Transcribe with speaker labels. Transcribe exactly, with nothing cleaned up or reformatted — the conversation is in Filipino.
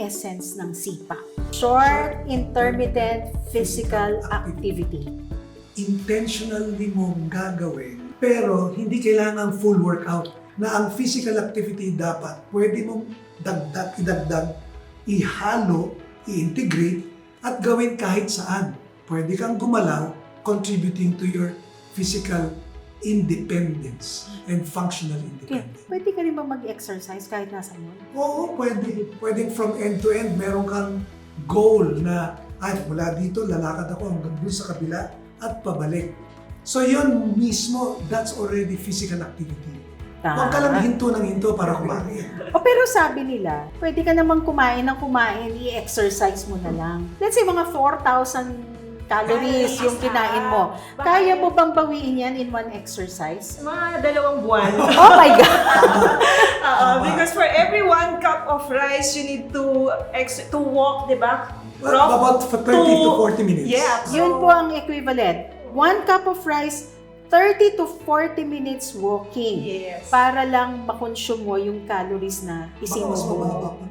Speaker 1: essence ng SIPA? Short Intermittent Physical Activity.
Speaker 2: Intentionally mong gagawin, pero hindi kailangan full workout. Na ang physical activity dapat pwede mong dagdag, idagdag, ihalo, i-integrate, at gawin kahit saan. Pwede kang gumalaw, contributing to your physical independence and functional
Speaker 1: Okay.
Speaker 2: independence.
Speaker 1: Pwede ka rin ba mag-exercise kahit nasa mall?
Speaker 2: Oo, pwede. Pwede from end to end. Meron kang goal na, ay, mula dito, lalakad ako hanggang dun sa kabila at pabalik. So yun mismo, that's already physical activity. Huwag ka lang hinto ng hinto para kumain.
Speaker 1: O pero sabi nila, pwede ka namang kumain ng kumain, i-exercise mo na lang. Let's say mga four thousand calories yung kinain mo. Kaya mo bang bawiin yan in one exercise?
Speaker 3: Mga dalawang buwan.
Speaker 1: Oh my God!
Speaker 3: Oo, because for every one cup of rice, you need to ex- to walk, di ba?
Speaker 2: Well, about for thirty to forty minutes.
Speaker 3: Yeah.
Speaker 1: Yun po ang equivalent. One cup of rice, thirty to forty minutes walking.
Speaker 3: Yes.
Speaker 1: Para lang makonsume mo yung calories na
Speaker 2: Baka
Speaker 1: isinus
Speaker 2: mas
Speaker 1: mo.
Speaker 2: mababa pa.